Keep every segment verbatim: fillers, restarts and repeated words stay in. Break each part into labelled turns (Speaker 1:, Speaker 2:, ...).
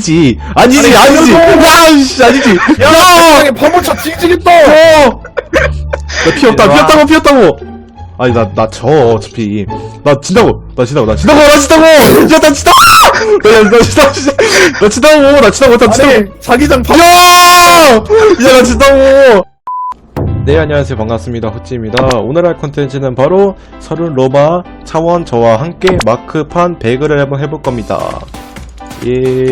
Speaker 1: 아니지 아니지 아니지 야씨 아니지
Speaker 2: 야! 파묻혀 뒤지겠다!
Speaker 1: 어! 나 피었다 피었다고 피었다고 아니 나 나 져 어차피 나 진다고 나 진다고 나 진다고 나 진다고 야나 진다고 나나 진다고 나 진다고 나 진다고 나 진다고
Speaker 2: 아니, 자기장 파...
Speaker 1: 야! 야, 나 진다고! 네, 안녕하세요. 반갑습니다. 호찌입니다. 오늘 할 컨텐츠는 바로 서른 로마 차원 저와 함께 마크판 배그를 한번 해볼 겁니다. 예.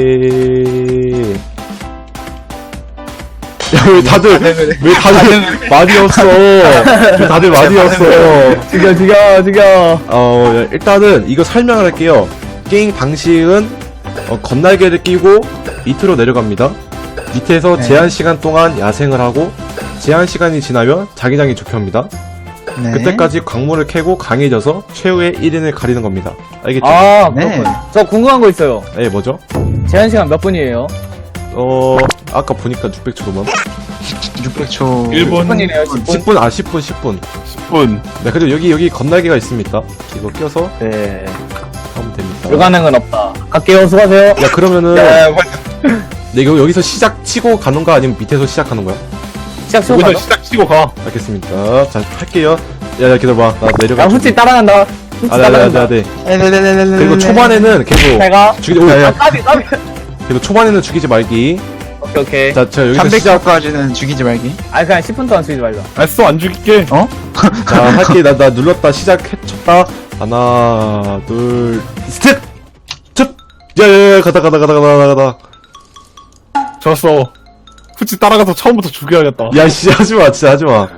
Speaker 1: 야, 왜 다들, 왜 다들 말이 없어? 왜 다들 말이 없어?
Speaker 2: 죽여, 죽여, 죽여.
Speaker 1: 어, 일단은 이거 설명을 할게요. 게임 방식은 어, 건날개를 끼고 밑으로 내려갑니다. 밑에서
Speaker 3: 네.
Speaker 1: 제한 시간 동안 야생을 하고 제한 시간이 지나면 자기장이 좁혀옵니다.
Speaker 3: 네.
Speaker 1: 그때까지 광물을 캐고 강해져서 최후의 일 인을 가리는 겁니다. 알겠죠?
Speaker 2: 아,
Speaker 3: 네.
Speaker 2: 그렇군. 저 궁금한 거 있어요.
Speaker 1: 네, 뭐죠?
Speaker 2: 제한 시간 몇 분이에요?
Speaker 1: 어, 아까 보니까 육백 초도만.
Speaker 3: 육백 초.
Speaker 2: 십 분이네요, 십 분.
Speaker 1: 십 분, 아, 십 분, 십 분.
Speaker 2: 십 분.
Speaker 1: 네, 그리고 여기, 여기 건날개가 있습니다. 이거 껴서
Speaker 2: 네.
Speaker 1: 하면 됩니다.
Speaker 2: 불가능은 없다. 갈게요, 수고하세요.
Speaker 1: 야, 그러면은,
Speaker 2: 네,
Speaker 1: 네, 이거 여기서 시작 치고 가는 거 아니면 밑에서 시작하는 거야?
Speaker 2: 시작 치고 가죠?
Speaker 4: 시작 치고 가.
Speaker 1: 알겠습니다. 자, 할게요. 야, 야, 기다려봐. 나 내려가.
Speaker 2: 야, 후치 따라간다. 후치
Speaker 1: 아, 네, 네, 네,
Speaker 2: 따라간다.
Speaker 1: 네.
Speaker 3: 그리고
Speaker 1: 그리고 초반에는 계속
Speaker 2: 제가.
Speaker 1: 죽이지, 오, 야,
Speaker 2: 아,
Speaker 1: 야.
Speaker 2: 까비, 까비.
Speaker 1: 그리고 초반에는 죽이지 말기.
Speaker 2: 오케이, 오케이.
Speaker 1: 자, 자, 여기서 시작.
Speaker 3: 삼백 초까지는 죽이지 말기.
Speaker 2: 아니, 그냥 십 분 동안 쓰지 말자.
Speaker 4: 알았어, 안 죽일게.
Speaker 3: 어?
Speaker 1: 자, 할게. 나, 나 눌렀다. 시작했쳤다. 하나, 둘, 스텝! 첩! 야, 야, 야, 가다, 가다, 가다, 가다, 가다.
Speaker 4: 좋았어. 후치 따라가서 처음부터 죽여야겠다.
Speaker 1: 야, 씨, 하지 마, 진짜 하지 마. 야,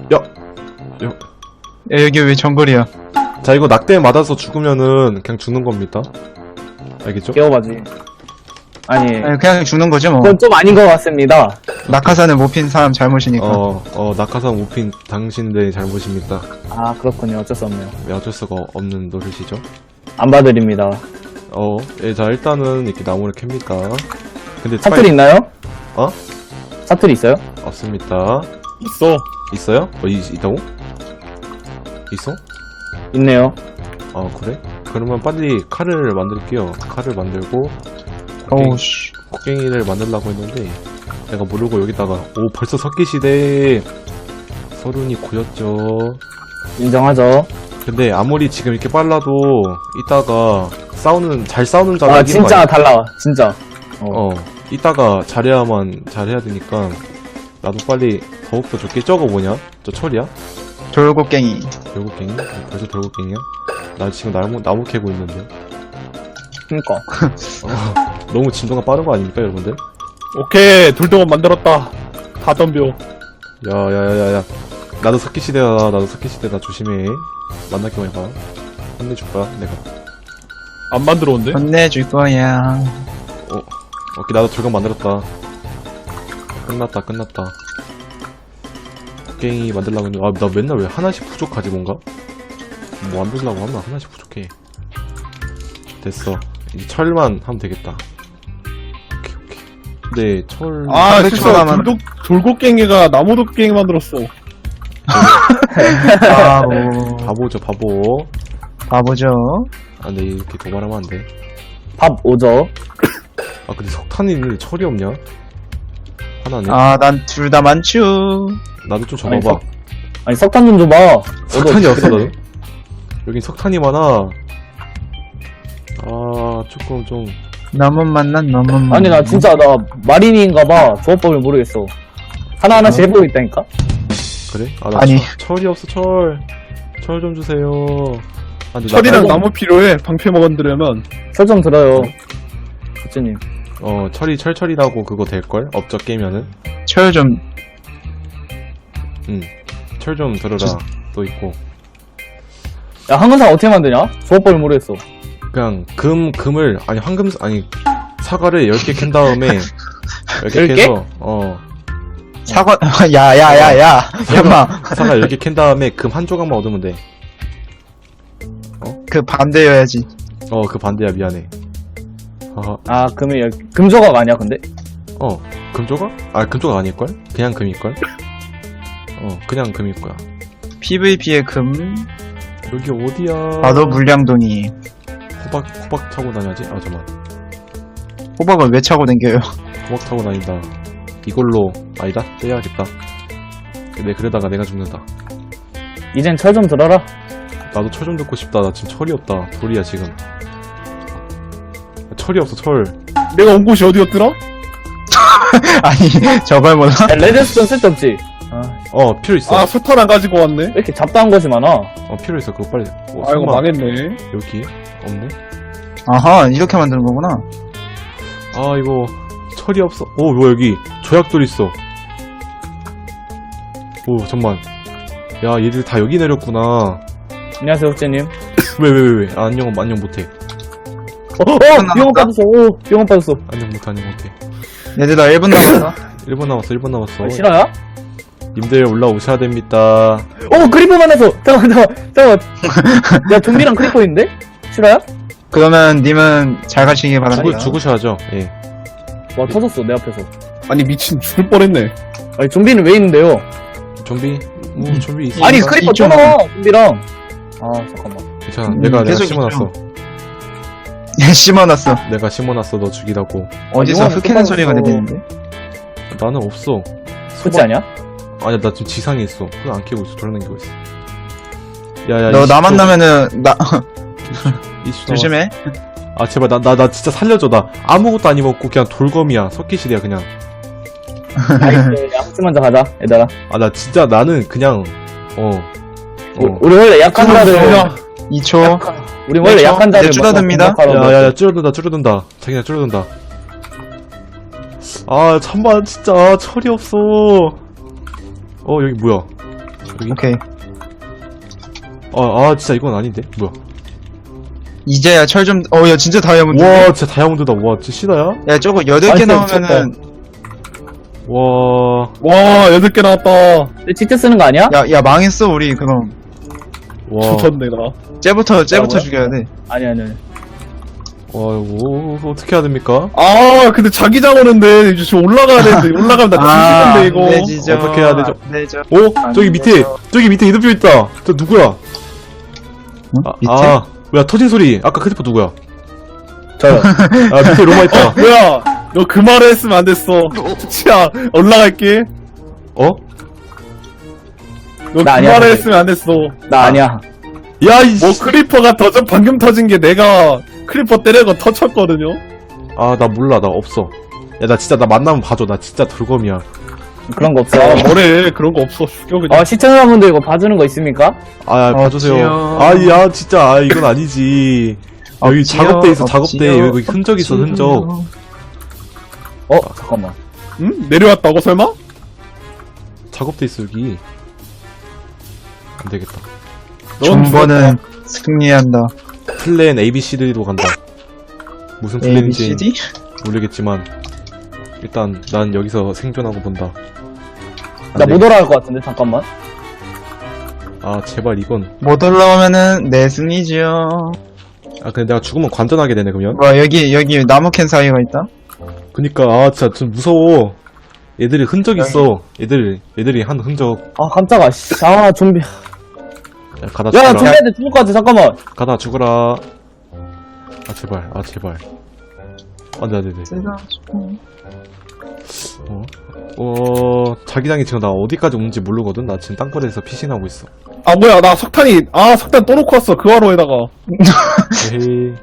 Speaker 3: 야, 여기 왜 정글이야?
Speaker 1: 자, 이거 낙대 맞아서 죽으면은 그냥 죽는 겁니다. 알겠죠?
Speaker 2: 깨워봐지. 아니,
Speaker 3: 아니, 그냥 죽는 거죠, 뭐.
Speaker 2: 그건 좀 아닌 것 같습니다.
Speaker 3: 낙하산을 못 핀 사람 잘못이니까.
Speaker 1: 어, 어, 낙하산 우핀 당신들의 잘못입니다.
Speaker 2: 아, 그렇군요. 어쩔 수 없네요.
Speaker 1: 왜 어쩔 수가 없는 노릇이죠?
Speaker 2: 안 봐드립니다.
Speaker 1: 어, 예, 자, 일단은 이렇게 나무를 캡니까? 근데
Speaker 2: 사투리 있나요?
Speaker 1: 어?
Speaker 2: 사투리 있어요?
Speaker 1: 없습니다.
Speaker 4: 있어.
Speaker 1: 있어요? 어, 이, 있다고? 있어?
Speaker 2: 있네요.
Speaker 1: 아, 그래? 그러면 빨리 칼을 만들게요. 칼을 만들고,
Speaker 3: 어우, 씨.
Speaker 1: 곡괭이를 만들려고 했는데, 내가 모르고 여기다가, 오, 벌써 석기시대! 서른이 고였죠.
Speaker 2: 인정하죠.
Speaker 1: 근데 아무리 지금 이렇게 빨라도, 이따가 싸우는, 잘 싸우는 자가
Speaker 2: 아,
Speaker 1: 이기는 거
Speaker 2: 진짜
Speaker 1: 아니야?
Speaker 2: 달라. 진짜. 어.
Speaker 1: 어, 이따가 잘해야만 잘해야 되니까, 나도 빨리 더욱더 좋게. 저거 뭐냐? 저 철이야?
Speaker 3: 돌고갱이.
Speaker 1: 돌고갱이? 벌써 돌고갱이야? 나 지금 나무, 나무 캐고 있는데.
Speaker 2: 그니까.
Speaker 1: 어, 너무 진도가 빠른 거 아닙니까, 여러분들?
Speaker 4: 오케이, 돌덩어 만들었다. 다 덤벼.
Speaker 1: 야야야야야, 나도 석기시대야. 나도 석기시대다. 조심해. 만날게만 해봐. 혼내줄 거야 내가.
Speaker 4: 안 만들어온대?
Speaker 3: 혼내줄 거야.
Speaker 1: 어, 오케이. 나도 돌격 만들었다. 끝났다 끝났다. 곡괭이 만들려고 했는데, 아, 나 맨날 왜 하나씩 부족하지 뭔가? 뭐 만들려고 하면 하나씩 부족해. 됐어. 이제 철만 하면 되겠다. 오케이 오케이. 근데 철...
Speaker 4: 아,
Speaker 3: 삼백
Speaker 4: 실수야.
Speaker 3: 초가만.
Speaker 4: 돌독, 돌고갱이가 나무 도갱이 만들었어.
Speaker 3: 바보.
Speaker 1: 바보죠 바보.
Speaker 3: 바보죠.
Speaker 1: 아 근데 이렇게 도발하면 안 돼.
Speaker 2: 밥 오죠.
Speaker 1: 아 근데 석탄이 있는데 철이 없냐? 하나네.
Speaker 3: 아, 난 둘 다 많죠.
Speaker 1: 나도 좀
Speaker 2: 아니,
Speaker 1: 줘봐봐.
Speaker 2: 석- 아니, 석탄 좀 줘봐.
Speaker 1: 석탄이 없어 나도. 여긴 석탄이 많아. 아 조금 좀.
Speaker 3: 너무 만난 너무 만난.
Speaker 2: 아니, 나 진짜, 나, 마린인가봐. 조합법을 모르겠어. 하나하나씩 해보고 있다니까?
Speaker 1: 그래? 아나
Speaker 3: 아니.
Speaker 1: 철이 없어 철. 철 좀 주세요. 아, 근데
Speaker 4: 철이랑
Speaker 1: 나-
Speaker 4: 나무 필요해. 방패 만들려면.
Speaker 2: 철 좀 들어요. 부처님.
Speaker 1: 어 철이 철철이라고 그거 될걸? 업적 깨면은.
Speaker 3: 철 좀.
Speaker 1: 응. 철 좀 들어라.
Speaker 3: 저-
Speaker 1: 또 있고.
Speaker 2: 야, 황금사 어떻게 만드냐? 조합법을 모르겠어.
Speaker 1: 그냥 금 금을 아니 황금 아니 사과를 열 개 캔 다음에 열 개
Speaker 2: 열 개?
Speaker 1: 캐서 어
Speaker 3: 사과, 야, 야, 야, 야. 야마.
Speaker 1: 사과 열 개 캔 다음에 금 한 조각만 얻으면 돼.
Speaker 3: 그 반대여야지.
Speaker 1: 어 그 반대야 미안해. 아,
Speaker 2: 아, 금이, 열- 금조각 아니야, 근데?
Speaker 1: 어 금조각? 아 금조각 아닐걸? 그냥 금일걸? 어 그냥 금일 거야.
Speaker 3: 피브이피의 금.
Speaker 1: 여기 어디야?
Speaker 3: 나도 물량동이.
Speaker 1: 호박 호박 차고 다녀야지. 아 잠만.
Speaker 3: 호박을 왜 차고 댕겨요?
Speaker 1: 호박 타고 다닌다. 이걸로 아니다. 떼야겠다. 내 그러다가 내가 죽는다.
Speaker 2: 이젠 철 좀 들어라.
Speaker 1: 나도 철 좀 듣고 싶다. 나 지금 철이 없다. 돌이야 지금. 철이 없어 철.
Speaker 4: 내가 온 곳이 어디였더라?
Speaker 3: 아니, 저걸 몰라?
Speaker 2: 야, 레드스톤 쓸데없지. 아,
Speaker 1: 어 필요 있어.
Speaker 4: 아, 소탄 안 가지고 왔네.
Speaker 2: 왜 이렇게 잡다한 것이 많아?
Speaker 1: 어 필요 있어. 그거 빨리. 어,
Speaker 4: 아, 이거
Speaker 1: 설마
Speaker 4: 망했네.
Speaker 1: 여기 없네.
Speaker 3: 아하, 이렇게 만드는 거구나.
Speaker 1: 아 이거 철이 없어. 오 뭐야 여기 조약돌 있어. 오 잠만. 야 얘들 다 여기 내렸구나.
Speaker 2: 안녕하세요, 호재님.
Speaker 1: 왜 왜 왜 왜? 아, 안녕 안녕 못해.
Speaker 2: 어, 어! 병원 빠졌어, 오! 병원 빠졌어.
Speaker 1: 안녕 못해 안녕 못해.
Speaker 3: 얘들아, 일 분 남았어.
Speaker 1: 일 분 남았어 일 분 남았어.
Speaker 2: 어, 실화야?
Speaker 1: 님들 올라오셔야 됩니다.
Speaker 2: 오, 크리퍼만 해서! 잠깐만, 잠깐만, 잠깐만. 야, 좀비랑 크리퍼 있는데? 실화야?
Speaker 3: 그러면 님은 잘 가시기
Speaker 1: 죽으,
Speaker 3: 바랍니다.
Speaker 1: 죽으셔야죠. 예.
Speaker 2: 와, 터졌어, 내 앞에서.
Speaker 4: 아니, 미친, 죽을 뻔했네.
Speaker 2: 아니, 좀비는 왜 있는데요?
Speaker 1: 좀비? 오
Speaker 3: 음.
Speaker 1: 좀비 있어.
Speaker 2: 아니,
Speaker 3: 이거
Speaker 2: 크리퍼
Speaker 3: 이쪽.
Speaker 2: 잖아 좀비랑. 아, 잠깐만.
Speaker 1: 괜찮아.
Speaker 3: 음,
Speaker 1: 내가 내가
Speaker 3: 계속
Speaker 1: 심어놨어.
Speaker 3: 얘 심어놨어.
Speaker 1: 내가 심어놨어. 너 죽이라고.
Speaker 3: 어디서
Speaker 2: 이거는
Speaker 3: 흑해는
Speaker 2: 똑바로
Speaker 3: 소리가
Speaker 2: 써.
Speaker 3: 들리는데?
Speaker 1: 나는 없어.
Speaker 2: 그렇지 않냐?
Speaker 1: 아니야 나 지금 지상에 있어. 흙 안 캐고 있어. 돌아다니고 있어. 야야.
Speaker 3: 너 나 만나면은, 나,
Speaker 1: 이슈
Speaker 3: 조심해.
Speaker 1: 아 제발 나 나 나 진짜 살려줘. 나 아무것도 안 입었고 그냥 돌검이야. 석기실이야 그냥.
Speaker 2: 나이스. 야, 혹시 먼저 가자, 얘들아.
Speaker 1: 아 나 진짜 나는 그냥 어.
Speaker 2: 우-
Speaker 1: 어.
Speaker 2: 우리 원래 약한 자를.
Speaker 3: 이 초.
Speaker 2: 우리 원래
Speaker 3: 네,
Speaker 2: 약한
Speaker 3: 저-
Speaker 2: 자를.
Speaker 3: 이제 줄어듭니다.
Speaker 1: 야야야 줄어든다 줄어든다. 자기네 줄어든다. 아 잠만 진짜 철이 없어. 어 여기 뭐야? 여기?
Speaker 3: 오케이.
Speaker 1: 아, 아 진짜 이건 아닌데? 뭐야?
Speaker 3: 이제야 철 좀, 어, 야, 진짜 다이아몬드.
Speaker 1: 와 진짜 다이아몬드다. 와 진짜 시다야?
Speaker 3: 야, 저거 여덟 개
Speaker 2: 아니,
Speaker 3: 나오면은,
Speaker 1: 와.
Speaker 4: 와, 여덟 개 나왔다.
Speaker 2: 내 진짜 쓰는 거 아니야?
Speaker 3: 야, 야, 망했어, 우리, 그럼.
Speaker 1: 와.
Speaker 4: 죽었네, 나.
Speaker 3: 쟤부터, 쟤부터
Speaker 2: 뭐야?
Speaker 3: 죽여야 돼.
Speaker 2: 아니, 아니, 아니.
Speaker 1: 와 이거 어떻게 해야 됩니까?
Speaker 4: 아, 근데 자기장 오는데, 이제 지금 올라가야 되는데, 올라가면 나 뒤지는데, 이거.
Speaker 3: 안 되지죠.
Speaker 1: 어떻게 해야 되죠?
Speaker 3: 안 되죠.
Speaker 1: 오
Speaker 3: 안
Speaker 1: 저기 밑에
Speaker 3: 되죠.
Speaker 1: 저기 밑에 이름표 있다. 저 누구야?
Speaker 3: 응?
Speaker 1: 아,
Speaker 3: 밑에?
Speaker 1: 아 뭐야 터진 소리. 아까 크리퍼 누구야?
Speaker 2: 저요.
Speaker 1: 아 밑에 로마 있다.
Speaker 4: 뭐야, 너 그 말을 했으면 안 됐어. 치야, 올라갈게.
Speaker 1: 어?
Speaker 4: 너 그
Speaker 2: 나 아니야,
Speaker 4: 말을
Speaker 2: 근데.
Speaker 4: 했으면 안 됐어.
Speaker 2: 나 아니야.
Speaker 1: 야이.
Speaker 4: 뭐 크리퍼가 터져 방금 터진 게 내가 크리퍼 때리고 터쳤거든요.
Speaker 1: 아나 몰라 나 없어. 야 나 진짜 나 만나면 봐줘. 나 진짜 돌검이야.
Speaker 2: 그런 거 없어.
Speaker 4: 아, 뭐래, 그런 거 없어. 죽여 그냥.
Speaker 2: 어, 시청자분들 이거 봐주는 거 있습니까?
Speaker 1: 아
Speaker 3: 없지요.
Speaker 1: 봐주세요. 아야 진짜 아 이건 아니지. 여기
Speaker 3: 없지요,
Speaker 1: 작업대 있어
Speaker 3: 없지요,
Speaker 1: 작업대. 여기 흔적 있어 흔적.
Speaker 2: 어, 잠깐만.
Speaker 4: 응? 내려왔다고 설마?
Speaker 1: 작업대 있어 여기. 안 되겠다.
Speaker 4: 넌
Speaker 3: 정보는 승리한다.
Speaker 1: 플랜 A B C D로 간다. 무슨
Speaker 3: A, B,
Speaker 1: 플랜인지
Speaker 3: C, D?
Speaker 1: 모르겠지만 일단 난 여기서 생존하고 본다. 안
Speaker 2: 나
Speaker 1: 돼.
Speaker 2: 못 올라갈 것 같은데, 잠깐만.
Speaker 1: 아 제발 이건.
Speaker 3: 못 올라오면은 내 승리지요.
Speaker 1: 아 근데 내가 죽으면 관전하게 되네 그러면.
Speaker 3: 와, 여기, 여기 나무 캔 사이가 있다?
Speaker 1: 그니까 아 진짜 좀 무서워. 얘들이 흔적 있어. 얘들 얘들이 한 흔적.
Speaker 2: 아, 깜짝아, 씨. 아, 좀비.
Speaker 1: 야, 가다
Speaker 2: 야,
Speaker 1: 죽어라.
Speaker 2: 좀비한테 죽을 것 같아, 잠깐만.
Speaker 1: 가다 죽어라. 아 제발 아 제발. 안돼 안돼 안돼. 어? 어 자기장이 지금 나 어디까지 오는지 모르거든. 나 지금 땅굴에서 피신하고 있어.
Speaker 4: 아, 뭐야, 나 석탄이, 아, 석탄 또 놓고 왔어. 그 화로에다가.
Speaker 1: 에헤이.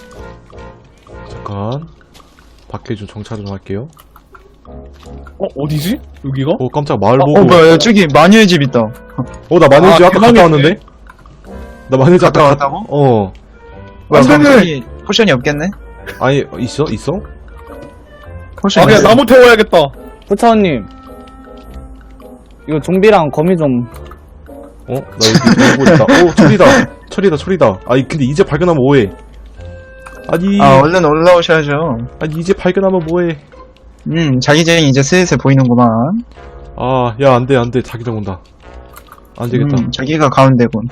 Speaker 1: 잠깐 밖에 좀 정차 좀 할게요.
Speaker 4: 어, 어디지? 여기가?
Speaker 1: 어 깜짝 마을
Speaker 3: 어,
Speaker 1: 보고.
Speaker 3: 어, 뭐야, 저기 마녀의 집 있다.
Speaker 1: 어 나 마늘집
Speaker 4: 아,
Speaker 1: 아까 갔다
Speaker 4: 대박이네.
Speaker 1: 왔는데? 나 마늘집
Speaker 3: 갔다
Speaker 1: 아까
Speaker 3: 왔다고?
Speaker 1: 어
Speaker 3: 뭐야,
Speaker 4: 안 되네.
Speaker 3: 갑자기 포션이 없겠네?
Speaker 1: 아니 있어? 있어?
Speaker 3: 포션이
Speaker 4: 아, 그냥
Speaker 3: 없어.
Speaker 4: 나무 태워야겠다.
Speaker 2: 부차원님. 이거 좀비랑 거미 좀.
Speaker 1: 어? 나 여기 보고 있다. 오 철이다 철이다 철이다. 아니 근데 이제 발견하면 뭐해. 아니
Speaker 3: 아, 얼른 올라오셔야죠.
Speaker 1: 아니 이제 발견하면 뭐해.
Speaker 3: 음, 자기장이 이제 슬슬 보이는구만.
Speaker 1: 아 야 안돼 안돼 자기장 온다. 안되겠다.
Speaker 3: 음, 저기가 가운데군.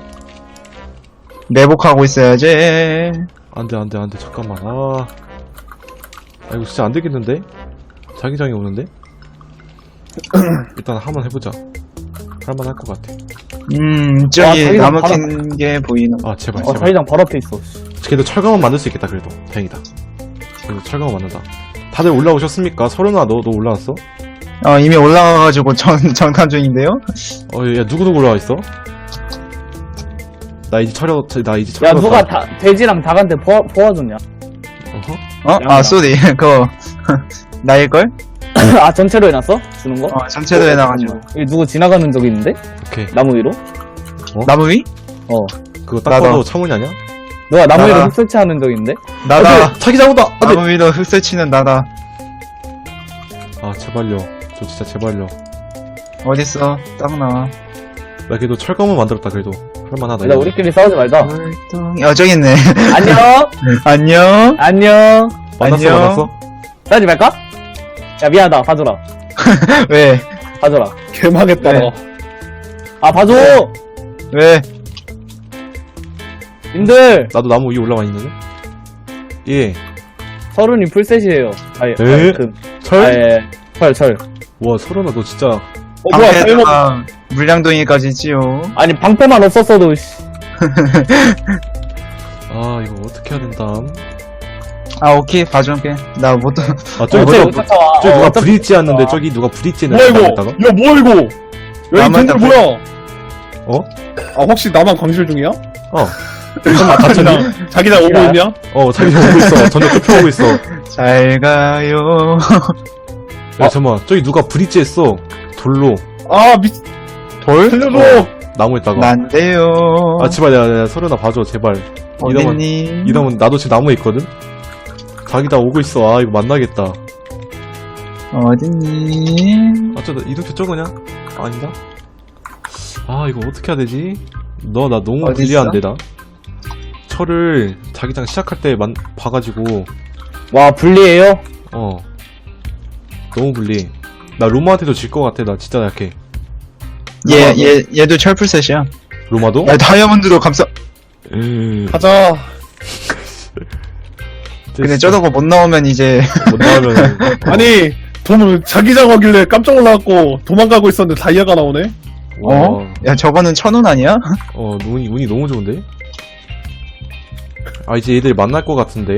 Speaker 3: 매복하고 있어야지.
Speaker 1: 안돼 안돼 안돼 잠깐만. 아, 아 이거 진짜 안되겠는데? 자기장이 오는데? 일단 한번 해보자. 할만할 것 같아.
Speaker 3: 음,
Speaker 2: 와,
Speaker 3: 저기
Speaker 2: 자기장
Speaker 3: 나무
Speaker 2: 바로-
Speaker 3: 캔 게 보이는.
Speaker 1: 아 제발
Speaker 2: 어,
Speaker 1: 제발.
Speaker 2: 자기장 바로 앞에 있어.
Speaker 1: 그래도 철강은 만들 수 있겠다 그래도. 다행이다. 그래서 철강을 만든다. 다들 올라오셨습니까? 서른아, 너, 너 올라왔어?
Speaker 3: 어, 이미 올라가가지고 전, 전칸 중인데요?
Speaker 1: 어, 야, 누구누구 올라와있어? 나 이제 철여, 나 이제 철여.
Speaker 2: 야 누가 다, 돼지랑 닭한테 포, 포화줬냐?
Speaker 1: 어허?
Speaker 3: 어? 아, 쏘리. 그거, 나일걸?
Speaker 2: 아 전체로 해놨어? 주는 거?
Speaker 3: 어, 전체도 해놔가지고.
Speaker 2: 여기 누구 지나가는 적이 있는데?
Speaker 1: 오케이.
Speaker 2: 나무 위로?
Speaker 3: 나무 위?
Speaker 2: 어
Speaker 1: 그거 딱
Speaker 3: 나다.
Speaker 1: 봐도 창문이 아니야?
Speaker 2: 너가 나무 위로
Speaker 3: 나가.
Speaker 2: 흙 설치하는 적 있는데?
Speaker 3: 나다.
Speaker 1: 자기 잘못다! 안 돼!
Speaker 3: 나무 위로 흙 설치는 나다.
Speaker 1: 아, 제발요. 저 진짜 제발요.
Speaker 3: 어딨어? 딱 나와.
Speaker 1: 나 그래도 철검은 만들었다, 그래도. 할만하다.
Speaker 2: 야
Speaker 1: 이거.
Speaker 2: 우리끼리 싸우지 말자.
Speaker 3: 월동, 어, 저기 있네.
Speaker 2: 안녕
Speaker 3: 안녕?
Speaker 2: 안녕
Speaker 1: 만났어,
Speaker 3: 안녕.
Speaker 1: 만났어?
Speaker 2: 싸우지 말까? 야 미안하다 봐줘라
Speaker 3: 왜?
Speaker 2: 봐줘라
Speaker 4: 개망했다.
Speaker 3: 네.
Speaker 4: 너.
Speaker 2: 아 봐줘
Speaker 3: 왜?
Speaker 2: 님들
Speaker 1: 나도 나무 위에 올라와 있는데? 예.
Speaker 2: 서른이 풀셋이에요 아예
Speaker 1: 에?
Speaker 2: 금
Speaker 1: 철?
Speaker 2: 아예 철철
Speaker 1: 와, 서른아, 너 진짜.
Speaker 2: 어 뭐야 잘못
Speaker 3: 방패가 물량동이까지 있지요.
Speaker 2: 아니 방패만 없었어도 씨.
Speaker 1: 아, 이거 어떻게 해야 된담?
Speaker 3: 아, 오케이. 봐줄게. 나 못,
Speaker 1: 아, 저기
Speaker 2: 어차피
Speaker 1: 누가,
Speaker 2: 못 쫓아와.
Speaker 1: 저기
Speaker 2: 어,
Speaker 1: 누가
Speaker 2: 어차피
Speaker 1: 브릿지 했는데,
Speaker 2: 쫓아와.
Speaker 1: 저기 누가 브릿지
Speaker 4: 뭐야
Speaker 1: 했는데,
Speaker 4: 이거?
Speaker 1: 나갔다가?
Speaker 4: 야 뭐야 이거? 야 이
Speaker 3: 나만
Speaker 4: 템플
Speaker 3: 딱
Speaker 4: 뭐야?
Speaker 1: 어?
Speaker 4: 아 혹시 나만 광실 중이야?
Speaker 1: 어. 잠깐만, 다쳤니?
Speaker 4: 자기장 자기장 오고 있냐?
Speaker 1: 어, 자기 오고 있어. 전혀 좁혀오고 있어.
Speaker 3: 잘 가요.
Speaker 1: 야, 잠깐만. 저기 누가 브릿지 했어. 돌로.
Speaker 4: 아 미.
Speaker 3: 돌?
Speaker 4: 살려줘.
Speaker 1: 나무에다가.
Speaker 3: 난데요.
Speaker 1: 아, 제발, 야, 야, 서른아, 봐줘, 제발. 이러면,
Speaker 3: 어딨니?
Speaker 1: 이러면 나도 지금 나무에 있거든? 자기 다 오고 있어. 아, 이거 만나겠다.
Speaker 3: 어딨니?
Speaker 1: 아, 저, 이렇게 쪄, 그냥? 아닌가? 아, 이거 어떻게 해야 되지? 너, 나 너무
Speaker 3: 어딨어?
Speaker 1: 불리한데, 나? 철을 자기장 시작할 때 만, 봐가지고,
Speaker 2: 와 불리해요?
Speaker 1: 어. 너무 불리해. 나 로마한테도 질 것 같아, 나 진짜 약해.
Speaker 3: 얘, 얘, 얘도 철풀셋이야.
Speaker 1: 로마도?
Speaker 3: 야, 다이아몬드로 감싸.
Speaker 1: 음.
Speaker 4: 가자.
Speaker 3: 근데 저러고 못 나오면 이제.
Speaker 1: 못 나오면.
Speaker 4: 아니 돈 자기장 하길래 깜짝 놀라갖고 도망가고 있었는데 다이아가 나오네.
Speaker 3: 어? 야, 저거는 천운 아니야?
Speaker 1: 어, 운이, 운이 너무 좋은데? 아, 이제 얘들 만날 것 같은데?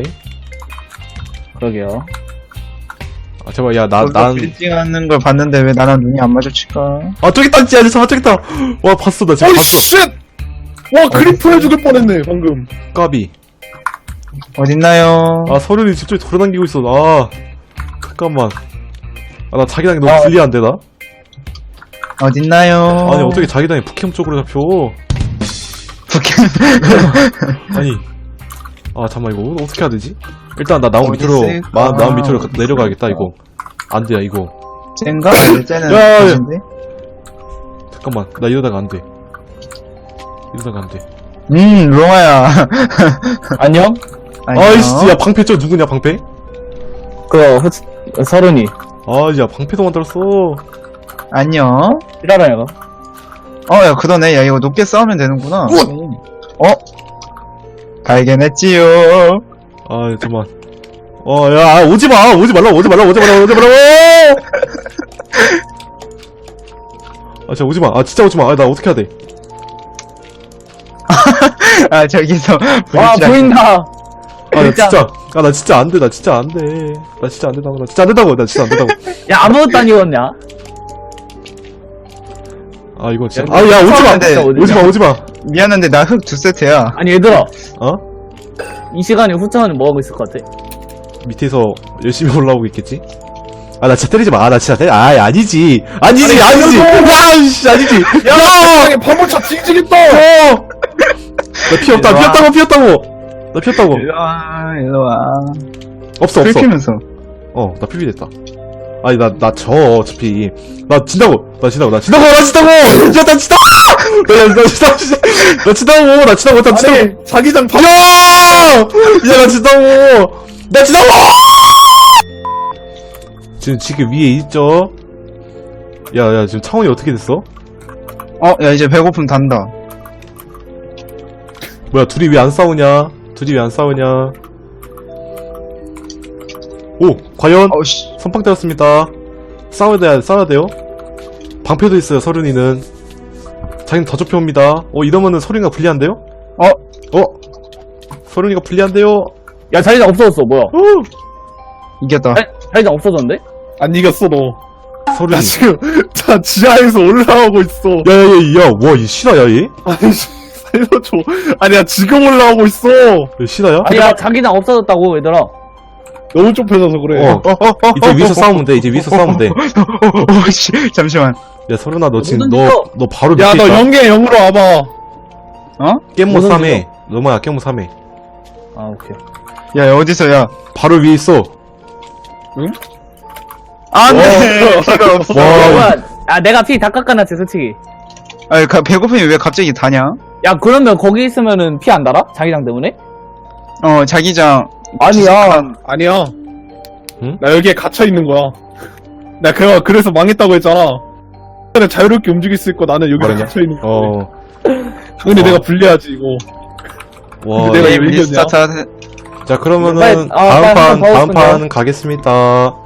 Speaker 2: 그러게요
Speaker 1: 아, 제발, 야, 나,
Speaker 3: 너도
Speaker 1: 난.
Speaker 3: 빌딩 하는 걸 봤는데 왜 나랑 눈이 안 마주칠까?
Speaker 1: 아, 저기 있다, 진짜, 잠깐, 저기 있다! 와, 봤어, 나 지금
Speaker 4: 어이
Speaker 1: 봤어.
Speaker 4: 쉣! 와 그리프해 죽을 뻔했네 방금.
Speaker 1: 까비.
Speaker 3: 어딨나요?
Speaker 1: 아, 서른이 저쪽에 돌아다니고 있어, 아. 잠깐만. 아, 나 자기당이 너무
Speaker 2: 아.
Speaker 1: 불리한데, 나?
Speaker 3: 어딨나요?
Speaker 1: 아니, 어떻게 자기당이 북캠 쪽으로 잡혀?
Speaker 3: 북캠.
Speaker 1: 아니. 아, 잠깐만, 이거 어떻게 해야 되지? 일단, 나 나무
Speaker 3: 어디
Speaker 1: 밑으로,
Speaker 3: 있을까?
Speaker 1: 마, 나무 밑으로 가- 내려가야겠다, 이거. 안 돼, 이거.
Speaker 3: 쟤인가? 쟤는
Speaker 1: 야, 야, 야.
Speaker 3: 가신데?
Speaker 1: 잠깐만, 나 이러다가 안 돼. 이러다가 안 돼.
Speaker 3: 음, 롱아야.
Speaker 2: 안녕?
Speaker 3: 안녕.
Speaker 1: 아이씨, 야, 방패 저 누구냐, 방패?
Speaker 2: 그 후, 서른이
Speaker 1: 아, 야, 방패도 만들었어.
Speaker 3: 안녕.
Speaker 2: 일하라 얘가
Speaker 3: 어, 야, 그러네. 야, 이거 높게 싸우면 되는구나. 어? 발견했지요.
Speaker 1: 아, 잠깐만. 어, 야, 아, 오지 마! 오지 말라, 오지 말라, 오지 말라, 오지 말라! 아, 진짜 오지 마. 아, 진짜 오지 마. 아, 나 어떻게 해야 돼?
Speaker 3: 아, 저기서.
Speaker 2: 와
Speaker 3: 브릿지
Speaker 2: 보인다
Speaker 1: 아, 나
Speaker 2: 진짜.
Speaker 1: 진짜. 아, 나 진짜 안 돼. 나 진짜 안 돼. 나 진짜 안 된다고. 나 진짜 안 된다고. 나 진짜 안 된다고.
Speaker 2: 야 아무것도 안 입었냐?
Speaker 1: 아, 이거 진짜.
Speaker 2: 야,
Speaker 1: 아, 야, 오지 마!
Speaker 3: 근데
Speaker 1: 오지 마, 오지 마!
Speaker 3: 미안한데, 나 흙 두 세트야.
Speaker 2: 아니 얘들아
Speaker 1: 어?
Speaker 2: 이 시간에 후창은 뭐하고 있을 것 같아?
Speaker 1: 밑에서 열심히 올라오고 있겠지? 아, 나 진짜 때리지 마. 아, 나 진짜 때리, 아, 아니지. 아니지, 아니지! 야, 씨, 아니지! 야!
Speaker 4: 세상에 파묻혀 징징했다.
Speaker 1: 어! 나 피 없다,
Speaker 3: 일로
Speaker 1: 피
Speaker 3: 와.
Speaker 1: 없다고, 피 없다고! 나 피 없다고.
Speaker 3: 일로와, 일로와.
Speaker 1: 없어, 없어.
Speaker 3: 긁히면서.
Speaker 1: 어, 나 피비 됐다. 아니, 나, 나 져, 어차피. 나 진다고! 나 진다고, 나 진다고! 나 진다고! 야, 나 진다! 나, 나 진다고! 나 진다고! 나 진다고! 나 진다고!
Speaker 4: 아니 자기장 파.
Speaker 1: 야! 야, 나 진다고! 나 진다고! 지금, 지금 위에 있죠? 야, 야, 지금 창원이 어떻게 됐어?
Speaker 3: 어, 야, 이제 배고픔 단다.
Speaker 1: 뭐야, 둘이 왜 안 싸우냐? 둘이 왜 안 싸우냐? 오! 과연?
Speaker 3: 어우씨.
Speaker 1: 선빵 때렸습니다. 싸워야 돼, 싸워야 돼요. 방패도 있어요, 서른이는. 자기는 더 좁혀옵니다. 어, 이러면은 서른이가 불리한데요?
Speaker 3: 어?
Speaker 1: 어? 서른이가 불리한데요?
Speaker 2: 야 자리장 없어졌어 뭐야
Speaker 1: 어?
Speaker 3: 이겼다.
Speaker 2: 자기장 없어졌는데?
Speaker 4: 안 이겼어 너.
Speaker 1: 소름.
Speaker 4: 나 지금 자 지하에서 올라오고 있어.
Speaker 1: 야야야, 와, 이 신화야 얘?
Speaker 4: 아니 씨, 살려줘. 아니야 지금 올라오고 있어.
Speaker 1: 얘 신화야?
Speaker 2: 아니야, 자기장 없어졌다고, 얘들아.
Speaker 4: 너무 좁혀져서 그래.
Speaker 1: 어. 이제 위에서 싸우면 돼. 이제 위에서 싸우면 돼.
Speaker 3: 어, 씨, 잠시만.
Speaker 1: 야 서른아, 너 지금
Speaker 2: 무슨
Speaker 1: 너
Speaker 2: 일이야?
Speaker 1: 너 바로 밑에
Speaker 4: 야 너
Speaker 1: 있다.
Speaker 4: 영계 영으로 와봐.
Speaker 3: 어?
Speaker 1: 깻모
Speaker 2: 무슨
Speaker 1: 삼 회.
Speaker 2: 일이야?
Speaker 1: 너마야 깻모 삼 회.
Speaker 2: 아, 오케이.
Speaker 3: 야, 야, 어디서, 야.
Speaker 1: 바로 위에 있어.
Speaker 3: 안 돼! 피가 없어.
Speaker 1: 와,
Speaker 2: 뭐야, 아, 내가 피 다 깎아놨지, 솔직히.
Speaker 3: 아니, 가- 배고픔이 왜 갑자기 다냐?
Speaker 2: 야, 그러면 거기 있으면은 피 안 달아? 자기장 때문에?
Speaker 3: 어, 자기장.
Speaker 2: 아니야.
Speaker 4: 아니야.
Speaker 1: 응?
Speaker 4: 나 여기에 갇혀 있는 거야. 나 그거 그래서 망했다고 했잖아. 그냥 자유롭게 움직일 수 있고 나는 여기서
Speaker 1: 뭐라냐?
Speaker 4: 갇혀 있는 거야.
Speaker 1: 어.
Speaker 4: 근데
Speaker 1: 어.
Speaker 4: 내가 불리하지 이거.
Speaker 1: 와.
Speaker 4: 내가
Speaker 3: 게임
Speaker 4: 이겼냐?
Speaker 3: 리스타트 하-
Speaker 1: 자 그러면은
Speaker 2: 빨리- 아,
Speaker 1: 다음
Speaker 2: 빨리
Speaker 1: 판
Speaker 2: 한번
Speaker 1: 다음
Speaker 2: 더
Speaker 1: 판 가겠습니다.